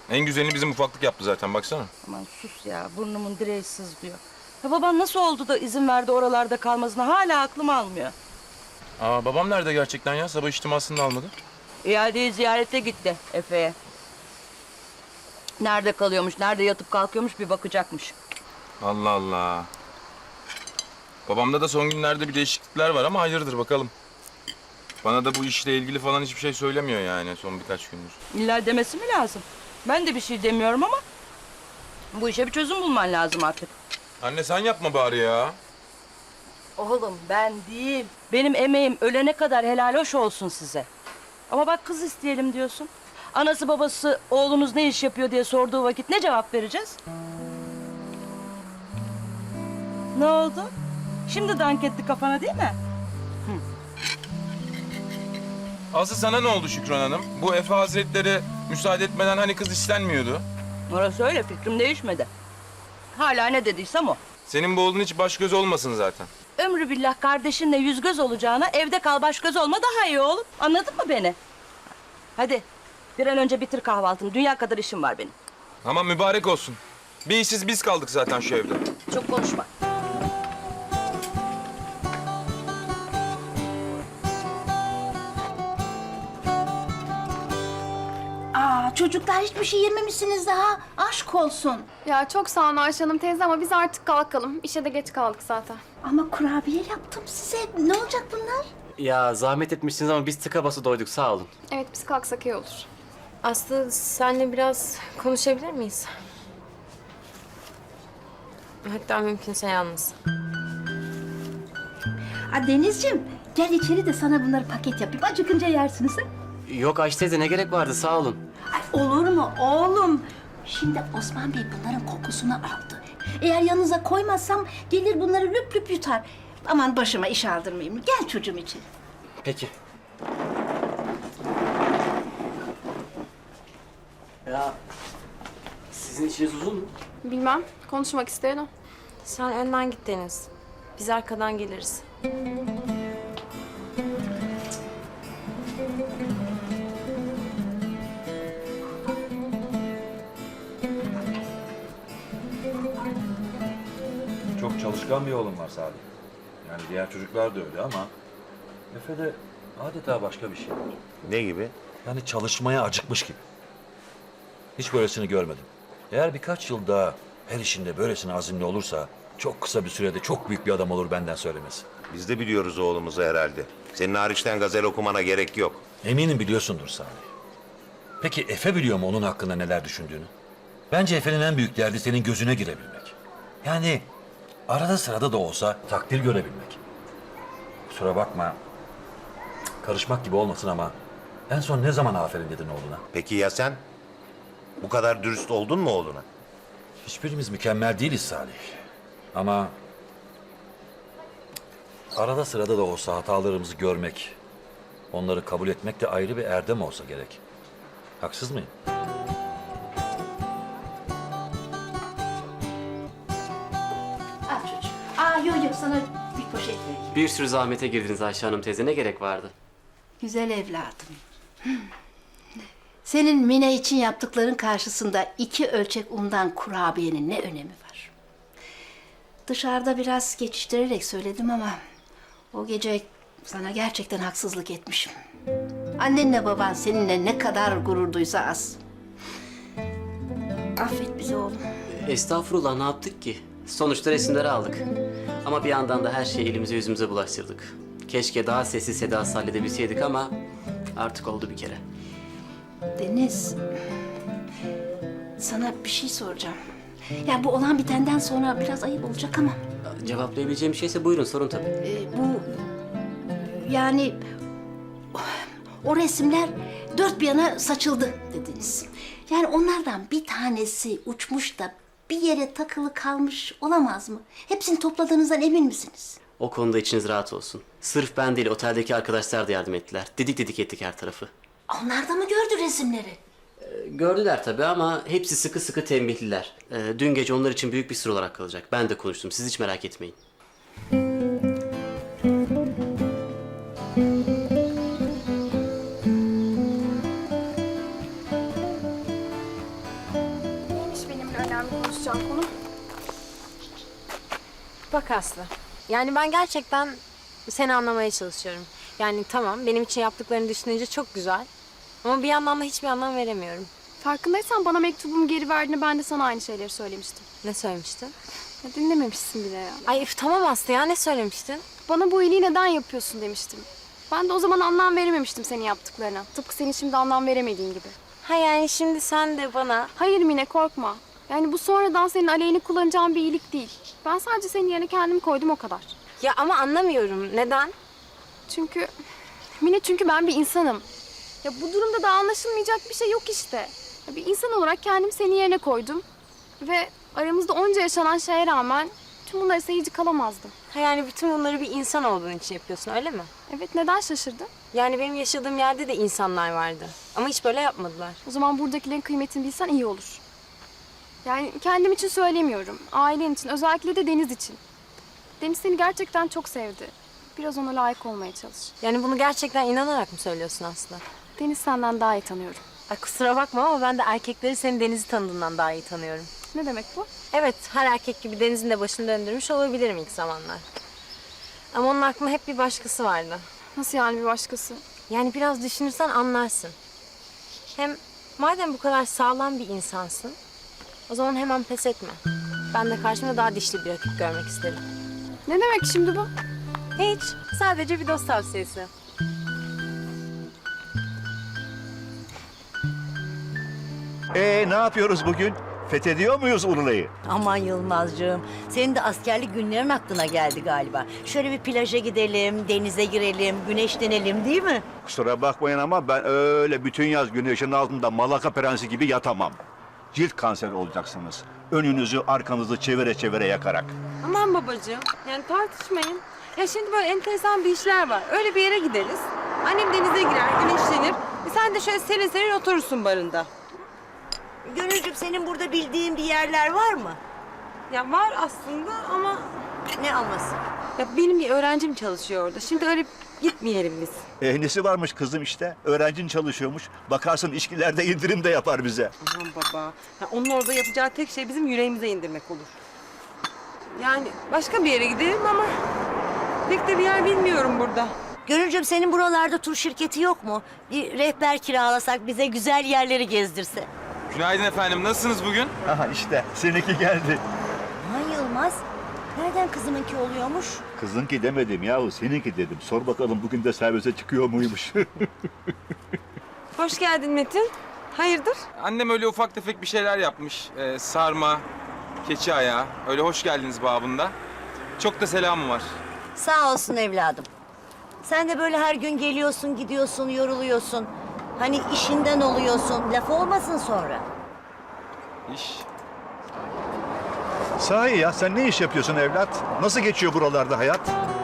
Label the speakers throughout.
Speaker 1: En güzelini bizim ufaklık yaptı zaten baksana.
Speaker 2: Aman sus ya, burnumun direği sızlıyor. Ya baban nasıl oldu da izin verdi oralarda kalmasına, hala aklım almıyor.
Speaker 1: Aa, babam nerede gerçekten ya? Sabah içtimasını da almadı.
Speaker 2: İadeyi ziyarete gitti Efe'ye. Nerede kalıyormuş, nerede yatıp kalkıyormuş bir bakacakmış.
Speaker 1: Allah Allah. Babamda da son günlerde bir değişiklikler var ama hayırdır bakalım. Bana da bu işle ilgili falan hiçbir şey söylemiyor yani son birkaç gündür.
Speaker 2: İlla demesi mi lazım? Ben de bir şey demiyorum ama bu işe bir çözüm bulman lazım artık.
Speaker 1: Anne sen yapma bari ya.
Speaker 2: Oğlum ben değil. Benim emeğim ölene kadar helal hoş olsun size. Ama bak kız isteyelim diyorsun. Anası babası oğlunuz ne iş yapıyor diye sorduğu vakit ne cevap vereceğiz? Ne oldu? Şimdi dank etti kafana değil mi?
Speaker 1: Aslı sana ne oldu Şükran Hanım? Bu Efe Hazretleri müsaade etmeden hani kız istenmiyordu.
Speaker 2: Orası öyle, fikrim değişmedi. Hala ne dediysem o.
Speaker 1: Senin bu oğlun hiç baş göz olmasın zaten.
Speaker 2: Ömrü billah kardeşinle yüz göz olacağına evde kal baş göz olma daha iyi oğlum. Anladın mı beni? Hadi bir an önce bitir kahvaltını. Dünya kadar işim var benim.
Speaker 1: Ama mübarek olsun. Bir işsiz biz kaldık zaten şu evde.
Speaker 2: Çok konuşma.
Speaker 3: Aa, çocuklar hiçbir şey yememişsiniz daha. Aşk olsun.
Speaker 4: Ya çok sağ olun Ayşe Hanım teyze ama biz artık kalkalım. İşe de geç kaldık zaten.
Speaker 3: Ama kurabiye yaptım size. Ne olacak bunlar?
Speaker 5: Ya zahmet etmişsiniz ama biz tıka basa doyduk, sağ olun.
Speaker 4: Evet biz kalksak iyi olur.
Speaker 6: Aslı senle biraz konuşabilir miyiz? Hatta mümkünse yalnız.
Speaker 3: Aa, Denizciğim, gel içeri de sana bunları paket yapayım. Acıkınca yersiniz. Ha?
Speaker 5: Yok Ayşe teyze, ne gerek vardı, sağ olun.
Speaker 3: Ay, olur mu oğlum? Şimdi Osman Bey bunların kokusunu aldı. Eğer yanınıza koymazsam gelir bunları lüp lüp yutar. Aman başıma iş aldırmayayım. Gel çocuğum içeri.
Speaker 5: Peki. Ya sizin işiniz uzun mu?
Speaker 4: Bilmem konuşmak isteyen o.
Speaker 6: Sen önden git Deniz. Biz arkadan geliriz.
Speaker 7: Çok çalışkan bir oğlum var Salih. Yani diğer çocuklar da öyle ama Efe'de adeta başka bir şey var.
Speaker 8: Ne gibi?
Speaker 7: Yani çalışmaya acıkmış gibi. Hiç böylesini görmedim. Eğer birkaç yıl daha her işinde böylesine azimli olursa çok kısa bir sürede çok büyük bir adam olur benden söylemesi.
Speaker 8: Biz de biliyoruz oğlumuzu herhalde. Senin hariçten gazel okumana gerek yok.
Speaker 7: Eminim biliyorsundur Salih. Peki Efe biliyor mu onun hakkında neler düşündüğünü? Bence Efe'nin en büyük derdi senin gözüne girebilmek. Yani arada sırada da olsa takdir görebilmek. Kusura bakma, karışmak gibi olmasın ama en son ne zaman aferin dedin oğluna?
Speaker 8: Peki ya sen? Bu kadar dürüst oldun mu oğluna?
Speaker 7: Hiçbirimiz mükemmel değiliz Salih. Ama arada sırada da olsa hatalarımızı görmek, onları kabul etmek de ayrı bir erdem olsa gerek. Haksız mıyım?
Speaker 3: Al çocuğum. Aa, yok sana bir poşet vereyim.
Speaker 5: Bir sürü zahmete girdiniz Ayşe Hanım teyze, ne gerek vardı?
Speaker 3: Güzel evladım. Senin Mine için yaptıkların karşısında 2 ölçek undan kurabiyenin ne önemi var? Dışarıda biraz geçiştirerek söyledim ama o gece sana gerçekten haksızlık etmişim. Annenle baban seninle ne kadar gurur duysa az. Affet bizi oğlum.
Speaker 5: Estağfurullah, ne yaptık ki? Sonuçta resimleri aldık. Ama bir yandan da her şeyi elimize yüzümüze bulaştırdık. Keşke daha sessiz sedasız halledebilseydik ama artık oldu bir kere.
Speaker 3: Deniz, sana bir şey soracağım. Ya bu olan bitenden sonra biraz ayıp olacak ama
Speaker 5: Cevaplayabileceğim bir şeyse buyurun, sorun tabii.
Speaker 3: bu yani o resimler dört bir yana saçıldı dediniz. Yani onlardan bir tanesi uçmuş da bir yere takılı kalmış olamaz mı? Hepsini topladığınızdan emin misiniz?
Speaker 5: O konuda içiniz rahat olsun. Sırf ben değil, oteldeki arkadaşlar da yardım ettiler. Didik didik ettik her tarafı.
Speaker 3: Onlar da mı gördü resimleri?
Speaker 5: Gördüler tabii ama hepsi sıkı sıkı tembihliler. Dün gece onlar için büyük bir sır olarak kalacak. Ben de konuştum, siz hiç merak etmeyin.
Speaker 4: konuşacağım konu?
Speaker 6: Bak Aslı. Yani ben gerçekten seni anlamaya çalışıyorum. Yani tamam benim için yaptıklarını düşününce çok güzel. Ama bir yandan da hiçbir anlam veremiyorum.
Speaker 4: Farkındaysan bana mektubumu geri verdiğinde ben de sana aynı şeyleri söylemiştim.
Speaker 6: Ne söylemiştin?
Speaker 4: Ya dinlememişsin bile ya.
Speaker 6: Ay üf, tamam Aslı ya ne söylemiştin?
Speaker 4: Bana bu iyiliği neden yapıyorsun demiştim. Ben de o zaman anlam verememiştim senin yaptıklarına. Tıpkı senin şimdi anlam veremediğin gibi.
Speaker 6: Ha yani şimdi sen de bana...
Speaker 4: Hayır Mine korkma. Yani bu sonradan senin aleyhine kullanacağın bir iyilik değil. Ben sadece senin yerine kendimi koydum o kadar.
Speaker 6: Ya ama anlamıyorum. Neden?
Speaker 4: Çünkü Mine ben bir insanım. Ya bu durumda da anlaşılmayacak bir şey yok işte. Ya bir insan olarak kendimi senin yerine koydum. Ve aramızda onca yaşanan şeye rağmen tüm bunlara seyirci kalamazdım.
Speaker 6: Ha yani bütün bunları bir insan olduğun için yapıyorsun öyle mi?
Speaker 4: Evet neden şaşırdın?
Speaker 6: Yani benim yaşadığım yerde de insanlar vardı. Ama hiç böyle yapmadılar.
Speaker 4: O zaman buradakilerin kıymetini bilsen iyi olur. Yani kendim için söylemiyorum. Ailen için, özellikle de Deniz için. Deniz seni gerçekten çok sevdi. Biraz ona layık olmaya çalış.
Speaker 6: Yani bunu gerçekten inanarak mı söylüyorsun Aslı?
Speaker 4: Deniz senden daha iyi tanıyorum.
Speaker 6: Ay kusura bakma ama ben de erkekleri senin Deniz'i tanıdığından daha iyi tanıyorum.
Speaker 4: Ne demek bu?
Speaker 6: Evet, her erkek gibi Deniz'in de başını döndürmüş olabilirim ilk zamanlar. Ama onun aklında hep bir başkası vardı.
Speaker 4: Nasıl yani bir başkası?
Speaker 6: Yani biraz düşünürsen anlarsın. Hem madem bu kadar sağlam bir insansın, o zaman hemen pes etme. Ben de karşımda daha dişli bir rakip görmek isterim.
Speaker 4: Ne demek şimdi bu?
Speaker 6: Hiç, sadece bir dost tavsiyesi.
Speaker 9: Ne yapıyoruz bugün? Fethediyor muyuz Urla'yı?
Speaker 10: Aman Yılmazcığım, senin de askerlik günlerin aklına geldi galiba. Şöyle bir plaja gidelim, denize girelim, güneşlenelim değil mi?
Speaker 9: Kusura bakmayın ama ben öyle bütün yaz güneşin altında Malaka prensi gibi yatamam. Cilt kanseri olacaksınız. Önünüzü arkanızı çevire çevire yakarak.
Speaker 6: Aman babacığım, yani tartışmayın. Ya şimdi böyle enteresan bir işler var. Öyle bir yere gideriz. Annem denize girer, güneşlenir. Sen de şöyle serin serin oturursun barında.
Speaker 10: Gönülcüm, senin burada bildiğin bir yerler var mı?
Speaker 6: Ya var aslında ama
Speaker 10: Ne alması?
Speaker 6: ya benim bir öğrencim çalışıyor orada. Şimdi öyle gitmeyelim biz.
Speaker 9: Nesi varmış kızım işte? Öğrencin çalışıyormuş. Bakarsın içkilerde indirim de yapar bize.
Speaker 6: Aman baba. Ya onun orada yapacağı tek şey bizim yüreğimize indirmek olur. Yani başka bir yere gidelim ama pek de bir yer bilmiyorum burada.
Speaker 10: Gönülcüm, senin buralarda tur şirketi yok mu? Bir rehber kiralasak bize güzel yerleri gezdirse.
Speaker 1: Günaydın efendim. Nasılsınız bugün?
Speaker 9: Aha işte seninki geldi.
Speaker 10: Aman Yılmaz, nereden kızımınki oluyormuş?
Speaker 9: Kızınki demedim yahu seninki dedim. Sor bakalım bugün de servise çıkıyor muymuş?
Speaker 6: Hoş geldin Metin. Hayırdır?
Speaker 1: Annem öyle ufak tefek bir şeyler yapmış. Sarma, keçi ayağı. Öyle hoş geldiniz babında. Çok da selamı var.
Speaker 10: Sağ olsun evladım. Sen de böyle her gün geliyorsun, gidiyorsun, yoruluyorsun. Hani işinden oluyorsun, laf olmasın sonra.
Speaker 1: İş.
Speaker 9: Sahi ya sen ne iş yapıyorsun evlat? Nasıl geçiyor buralarda hayat?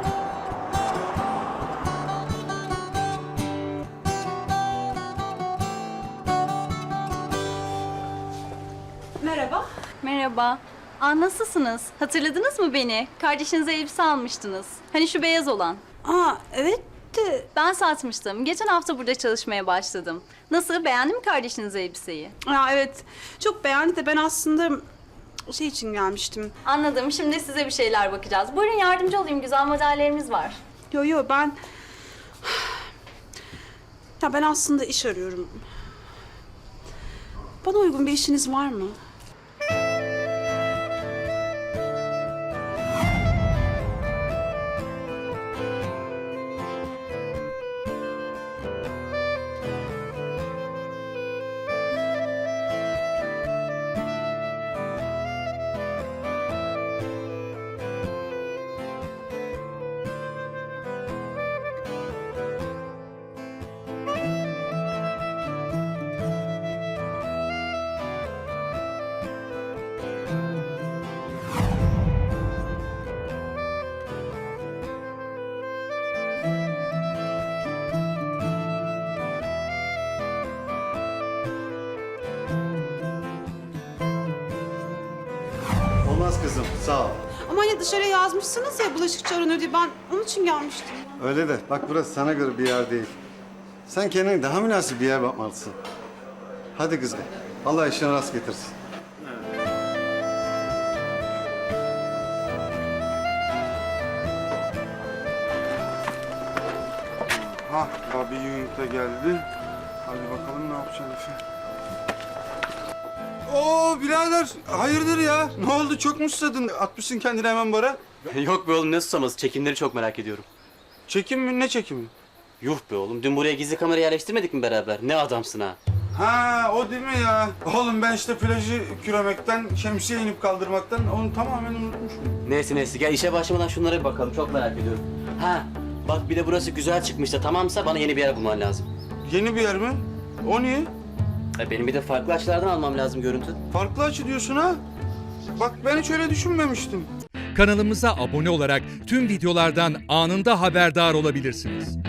Speaker 11: Merhaba. Nasılsınız? Hatırladınız mı beni? Kardeşinize elbise almıştınız. Hani şu beyaz olan.
Speaker 10: Evet de...
Speaker 11: Ben satmıştım. Geçen hafta burada çalışmaya başladım. Nasıl? Beğendi mi kardeşiniz elbiseyi?
Speaker 12: Evet. Çok beğendi de ben aslında şey için gelmiştim.
Speaker 11: Anladım. Şimdi size bir şeyler bakacağız. Buyurun yardımcı olayım. Güzel modellerimiz var.
Speaker 12: Yo ben... Ya ben aslında iş arıyorum. Bana uygun bir işiniz var mı?
Speaker 13: Olmaz kızım, sağ ol.
Speaker 12: Ama hani dışarıya yazmışsınız ya bulaşıkçı aranıyor diye ben onun için gelmiştim.
Speaker 13: Öyle de bak burası sana göre bir yer değil. Sen kendine daha münasip bir yer bakmalısın. Hadi kızım, Allah işine rast getirsin. Abi yumurta geldi. Hadi bakalım ne yapacaksın Efe. Oo birader hayırdır ya? Ne oldu çok mu susadın? Atmışsın kendini hemen bara.
Speaker 5: Yok be oğlum ne susaması, çekimleri çok merak ediyorum.
Speaker 13: Çekim mi? Ne çekimi?
Speaker 5: Yuh be oğlum, dün buraya gizli kamera yerleştirmedik mi beraber? Ne adamsın ha.
Speaker 13: Ha o değil mi ya? Oğlum ben işte plajı küremekten, şemsiye inip kaldırmaktan onu tamamen unutmuşum.
Speaker 5: Neyse gel işe başlamadan şunlara bir bakalım, çok merak ediyorum. Ha bak bir de burası güzel çıkmış da tamamsa bana yeni bir yer bulman lazım.
Speaker 13: Yeni bir yer mi? O niye?
Speaker 5: Benim bir de farklı açılardan almam lazım görüntü.
Speaker 13: Farklı açı diyorsun ha? Bak ben hiç öyle düşünmemiştim.
Speaker 14: Kanalımıza abone olarak tüm videolardan anında haberdar olabilirsiniz.